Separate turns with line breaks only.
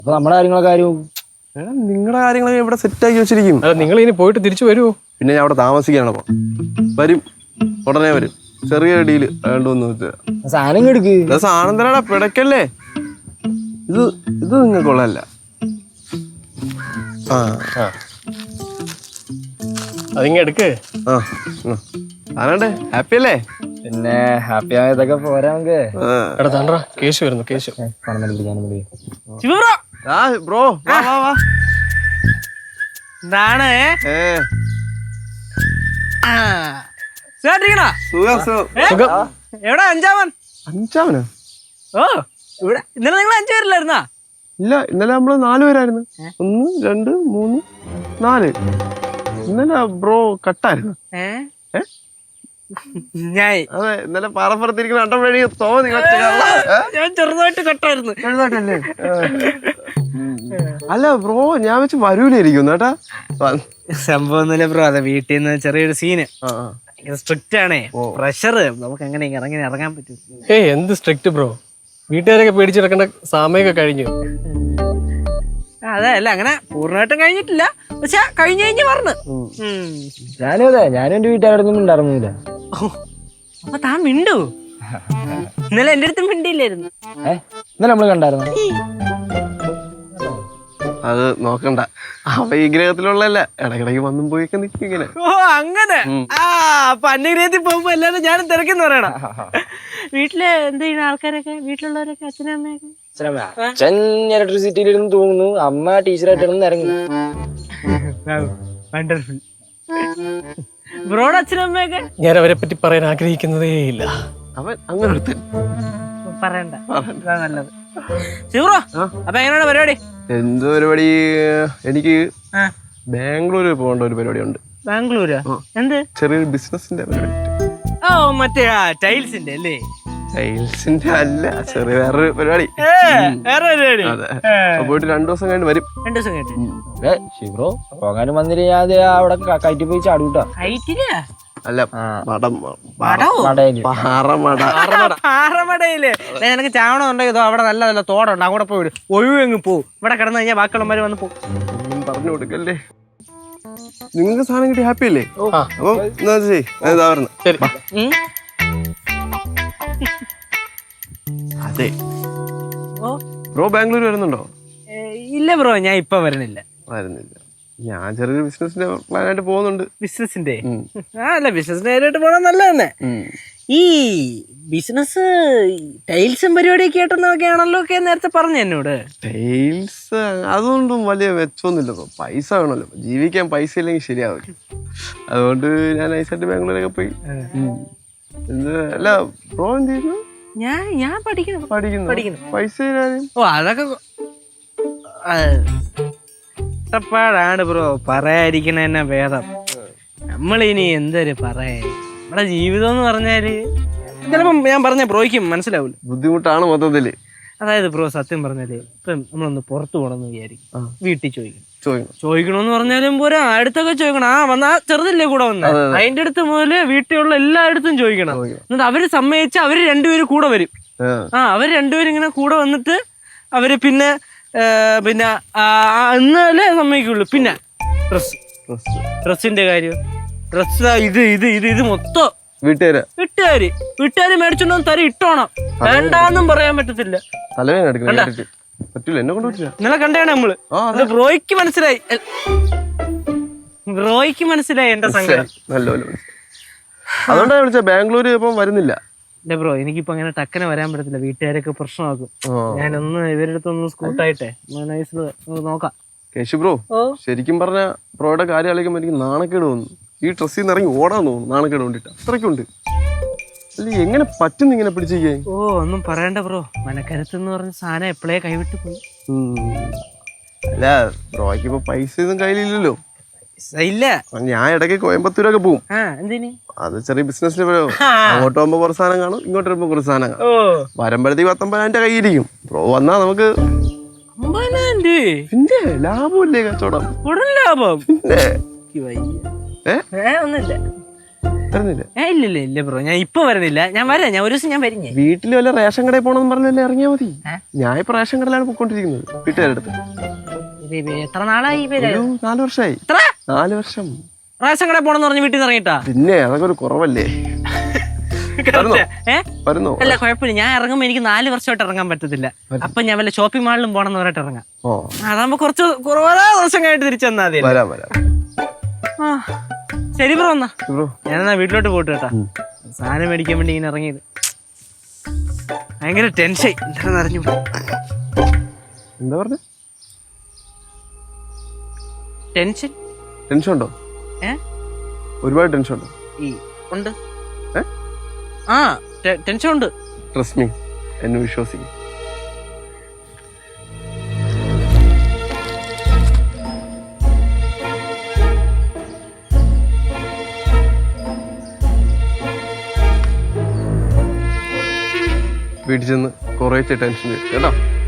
അപ്പൊ നമ്മുടെ കാര്യങ്ങളൊക്കെ ആരും
നിങ്ങളുടെ കാര്യങ്ങളൊക്കെ ഇവിടെ സെറ്റാക്കി വെച്ചിരിക്കും.
നിങ്ങൾ ഇനി പോയിട്ട് തിരിച്ചു വരുമോ?
പിന്നെ ഞാൻ അവിടെ താമസിക്കാണ്. വരും, ഉടനെ വരും. ചെറിയ ഡീല് വേണ്ടോന്ന് വെച്ചാൽ
സാധനം എടുക്ക്.
സാധനം തരാടാ, പിടക്കല്ലേ. ഇത് ഇത് നിങ്ങൾക്കുള്ളതല്ല.
അതിങ്ങ എടുക്ക്.
ആരാണ്ടേ ഹാപ്പി അല്ലേ?
പിന്നെ ഹാപ്പി ആയതൊക്കെ പോരാ നമുക്ക്.
എടാ താണ്ടാ കേശു വരുന്നു. കേശു
ബ്രോ
എന്താണ് എവിടെ അഞ്ചാമൻ?
അഞ്ചാമനോ?
ഓ ഇവിടെ ഇന്നലെ നിങ്ങൾ 5 പേരില്ലായിരുന്നാ?
ഇല്ല, ഇന്നലെ നമ്മള് 4 പേരായിരുന്നു. 1 2 3 4. ഇന്നലെ ബ്രോ കട്ടായിരുന്നു. അതെ, ഇന്നലെ പാറപ്പുറത്തിരിക്കുന്ന അട്ടം വഴി തോന്നി.
ഞാൻ ചെറുതായിട്ട് കട്ടായിരുന്നു.
ചെറുതായിട്ടല്ലേ? അല്ല ബ്രോ, ഞാൻ വെച്ച് വരൂലായിരിക്കും കേട്ടാ.
സംഭവം ബ്രോ, അതെ വീട്ടിൽ നിന്ന് ചെറിയൊരു സീന്. സ്ട്രിക്റ്റ് ആണേ, പ്രഷർ. നമുക്ക് എങ്ങനെ ഇറങ്ങാൻ പറ്റും?
എന്ത് സ്ട്രിക്റ്റ് ബ്രോ? വീട്ടുകാരൊക്കെ പേടിച്ചെടുക്കേണ്ട സമയമൊക്കെ കഴിഞ്ഞു.
അതെ, അല്ല അങ്ങനെ പൂർണ്ണമായിട്ടും കഴിഞ്ഞിട്ടില്ല, പക്ഷെ കഴിഞ്ഞ് പറഞ്ഞു.
ഞാനും അതെ, ഞാനും എന്റെ വീട്ടുകാരൊന്നും ഉണ്ടായിരുന്നില്ല.
അപ്പൊ താൻ മിണ്ടു? ഇന്നലെ എന്റെ അടുത്തും മിണ്ടിയില്ലായിരുന്നു.
ഇന്നലെ നമ്മള് കണ്ടായിരുന്നു.
അത് നോക്കണ്ട, അവ ഈ ഗ്രഹത്തിലുള്ളല്ല. ഇടക്കിടക്ക് വന്നും പോയിക്കെ നിൽക്കും ഇങ്ങനെ.
ഓ അങ്ങനെ. അപ്പൊ അന്യഗ്രഹത്തിൽ പോകുമ്പോ എല്ലാരും ഞാനും തിരക്കെന്ന് പറയണ. വീട്ടില് എന്ത് ചെയ്യുന്ന ആൾക്കാരൊക്കെ? വീട്ടിലുള്ളവരൊക്കെ അച്ഛനും അമ്മയൊക്കെ?
അച്ഛൻ ഇലക്ട്രിസിറ്റിയിലിരുന്ന് തൂങ്ങുന്നു, അമ്മ ടീച്ചറായിട്ട് ഇറങ്ങി.
വണ്ടർഫുൾ. ബ്രോഡ് അച്ഛനും അമ്മയൊക്കെ?
ഞാൻ അവരെ പറ്റി പറയാൻ ആഗ്രഹിക്കുന്നതേ ഇല്ല.
അവൻ അങ്ങനെ എടുത്ത്
പറയണ്ട, നല്ലത്. ശിവറോ, അപ്പൊ എങ്ങനെയാണ് പരിപാടി?
എന്ത് പരിപാടി? എനിക്ക് ബാംഗ്ലൂര് പോകേണ്ട ഒരു പരിപാടി ഉണ്ട്.
ബാംഗ്ലൂരാ? എന്ത്?
ചെറിയൊരു ബിസിനസിന്റെ പരിപാടി.
ഓ മറ്റേ ടൈൽസിന്റെ അല്ലേ?
ടൈൽസിന്റെ അല്ല, ചെറിയ വേറൊരു പരിപാടി. അതെ, പോയിട്ട് 2 ദിവസം കഴിഞ്ഞ് വരും.
2 ദിവസം കഴിഞ്ഞിട്ട്
ശിവറോ പോകാനും വന്നിട്ട് ഞാൻ അവിടെ കയറ്റി പോയി ചാടൂട്ടാ.
അല്ല,
പാറമടയില് നിനക്ക് ചാവണം ഉണ്ടെങ്കിൽ അവിടെ നല്ല നല്ല തോടുണ്ട്, അവിടെ പോയി വിടും. ഒഴിവെങ്ങ് പോവും. ഇവിടെ കിടന്നു കഴിഞ്ഞാൽ ബാക്കിയുള്ളവര് വന്ന് പോകും.
പറഞ്ഞു കൊടുക്കല്ലേ. നിങ്ങൾക്ക് സാധനം കിട്ടി ഹാപ്പി അല്ലേ? അപ്പൊ എന്താ ഇതാ പറഞ്ഞു. അതെ ബ്രോ, ബാംഗ്ലൂർ വരുന്നുണ്ടോ?
ഇല്ല ബ്രോ, ഞാൻ ഇപ്പൊ വരുന്നില്ല.
ഞാൻ ചെറിയൊരു ബിസിനസിന്റെ പ്ലാനായിട്ട് പോകുന്നുണ്ട്.
ബിസിനസിന്റെ? അല്ല, ബിസിനസിന്റെ കാര്യമായിട്ട് പോകണം നല്ല തന്നെ. ഈ ബിസിനസ് ടൈൽസും പരിപാടിയൊക്കെ ആയിട്ടൊക്കെയാണല്ലോ ഒക്കെ നേരത്തെ പറഞ്ഞു എന്നോട്.
ടൈൽസ് അതുകൊണ്ടും വലിയ മെച്ചമൊന്നുമില്ല. പൈസ വേണമല്ലോ, ജീവിക്കാൻ പൈസ ഇല്ലെങ്കിൽ ശരിയാവില്ല. അതുകൊണ്ട് ഞാൻ നൈസായിട്ട് ബാംഗ്ലൂരൊക്കെ പോയി. അല്ല ബ്രോ എന്ത് ചെയ്യുന്നു?
ഞാൻ പഠിക്കുന്നു.
പൈസ
ഓ അതൊക്കെ കഷ്ടപ്പാടാണ് ബ്രോ, പറയാതിരിക്കണ തന്നെ ഭേദം. നമ്മളിനി എന്തൊരു പറയാ, നമ്മുടെ ജീവിതം എന്ന് പറഞ്ഞാല് ചിലപ്പം ഞാൻ പറഞ്ഞ ബ്രോയ്ക്കും മനസ്സിലാവില്ല.
ബുദ്ധിമുട്ടാണ് മൊത്തത്തില്.
അതായത് ബ്രോ, സത്യം പറഞ്ഞാല് ഇപ്പം നമ്മളൊന്ന് പുറത്തു പോകണമെന്ന് വിചാരിക്കും, വീട്ടിൽ ചോദിക്കണമെന്ന് പറഞ്ഞാലും പോരാ, അടുത്തൊക്കെ ചോദിക്കണം. വന്നാ ചെറുതല്ലേ കൂടെ വന്ന, അതിന്റെ അടുത്ത് മുതല് വീട്ടിലുള്ള എല്ലായിടത്തും ചോദിക്കണം. എന്നിട്ട് അവര് സമ്മതിച്ച അവര് 2 പേര് കൂടെ വരും. അവര് 2 പേരും ഇങ്ങനെ കൂടെ വന്നിട്ട് അവര് പിന്നെ എന്നാലേ സമ്മതിക്കുള്ളൂ. പിന്നെ ഡ്രസ്സിന്റെ കാര്യം, ഡ്രസ് ഇത് മൊത്തം വീട്ടുകാര് മേടിച്ചോണ്ടോ തരം ഇട്ടോണം, വേണ്ടാന്നും പറയാൻ പറ്റത്തില്ല. ഇന്നലെ കണ്ടാണ് നമ്മള്. ബ്രോയ്ക്ക് മനസ്സിലായി എന്റെ സംഗതി.
അതുകൊണ്ടാണ് വിളിച്ച. ബാംഗ്ലൂര് ഇപ്പം വരുന്നില്ല.
ഇല്ല ബ്രോ, എനിക്കിപ്പോ അങ്ങനെ ടക്കനെ വരാൻ പറ്റത്തില്ല, വീട്ടുകാരൊക്കെ പ്രശ്നമാക്കും. ഞാനൊന്ന് ഇവരുടെ അടുത്തൊന്ന് സ്കൂട്ടായിട്ടെ നൈസില് നോക്കാം.
കേശു ബ്രോ, ശരിക്കും പറഞ്ഞ ബ്രോയുടെ കാര്യം ആലോചിക്കുമ്പോ എനിക്ക് നാണക്കേട് തോന്നുന്നു. ഈ ഡ്രസ്സിൽ നിന്ന് ഇറങ്ങി ഓടാൻ തോന്നുന്നു, നാണക്കേട് കൊണ്ടിട്ട്. അത്രയ്ക്കുണ്ട്. അല്ല, എങ്ങനെ പറ്റുന്നു ഇങ്ങനെ പിടിച്ചിരിക്കാൻ?
ഓ ഒന്നും പറയണ്ട ബ്രോ, മനക്കരുത്ത് എന്ന് പറഞ്ഞ സാധനം എപ്പോഴേ കൈവിട്ട് പോയി.
അല്ല ബ്രോയ്ക്ക് ഇപ്പൊ പൈസ ഒന്നും കയ്യിലില്ലല്ലോ.
ഇല്ല,
ഞാൻ ഇടയ്ക്ക് കോയമ്പത്തൂരൊക്കെ പോകും. അത് ചെറിയ ബിസിനസിന് അങ്ങോട്ട് പോകുമ്പോ കുറച്ച് സാധനം കാണും, ഇങ്ങോട്ട് വരുമ്പോ കുറച്ച് സാധനം കാണും. വരുമ്പോഴത്തേക്ക് 19,000 കയ്യിരിക്കും. ബ്രോ വന്നാ നമുക്ക് പിന്നെ ലാഭമല്ലേ കച്ചവടം?
ലാഭം
പിന്നെ
ഒന്നുമില്ല.
വരുന്നില്ല.
ഇല്ല ബ്രോ, ഞാൻ ഇപ്പൊ വരുന്നില്ല. ഞാൻ വരാം, ഞാൻ ഒരു ദിവസം ഞാൻ വരും.
വീട്ടിൽ വല്ല റേഷൻ കടയിൽ പോണെന്ന് പറഞ്ഞല്ലേ ഇറങ്ങിയാ മതി. ഞാൻ ഇപ്പൊ റേഷൻ കടയിലാണ് പോയിക്കൊണ്ടിരിക്കുന്നത് വീട്ടുകാരുടെ അടുത്ത്.
എത്ര നാളായി?
4 വർഷമായി. 4 വർഷം.
റേഷൻ കടയിൽ പോണെന്ന് പറഞ്ഞ് വീട്ടിൽ നിന്ന് ഇറങ്ങിട്ടാ?
പിന്നെ അതൊക്കെ ഒരു കുറവല്ലേ? വരുന്നോ?
അല്ല കുഴപ്പമില്ല, ഞാൻ ഇറങ്ങുമ്പോ എനിക്ക് 4 വർഷമായിട്ട് ഇറങ്ങാൻ പറ്റത്തില്ല. അപ്പൊ ഞാൻ വല്ല ഷോപ്പിംഗ് മാളിലും പോണെന്ന് പറഞ്ഞിട്ട് ഇറങ്ങാം. അതാകുമ്പോ കുറച്ച് കുറവാ ദിവസം കഴിഞ്ഞിട്ട് തിരിച്ചെന്നാ മതി. ശരി ബ്രോ, എന്നാ ഞാനെന്നാ വീട്ടിലോട്ട് പോയിട്ട് കേട്ടാ. സാധനം മേടിക്കാൻ വേണ്ടി ഇങ്ങനെ ഇറങ്ങിയത്. ഭയങ്കര ടെൻഷൻ. എന്താണെന്ന് അറിഞ്ഞു.
എന്താ പറഞ്ഞ?
ടെൻഷൻ
ഉണ്ടോ? ഒരുപാട് ടെൻഷൻ ഉണ്ടോ?
ഉണ്ട്. ആ ടെൻഷൻ ഉണ്ട്.
ട്രസ്റ്റ് മീ, എന്നെ വിശ്വസിക്കും. വീട്ടിൽ ചെന്ന് കുറേ ടെൻഷൻ കേട്ടോ.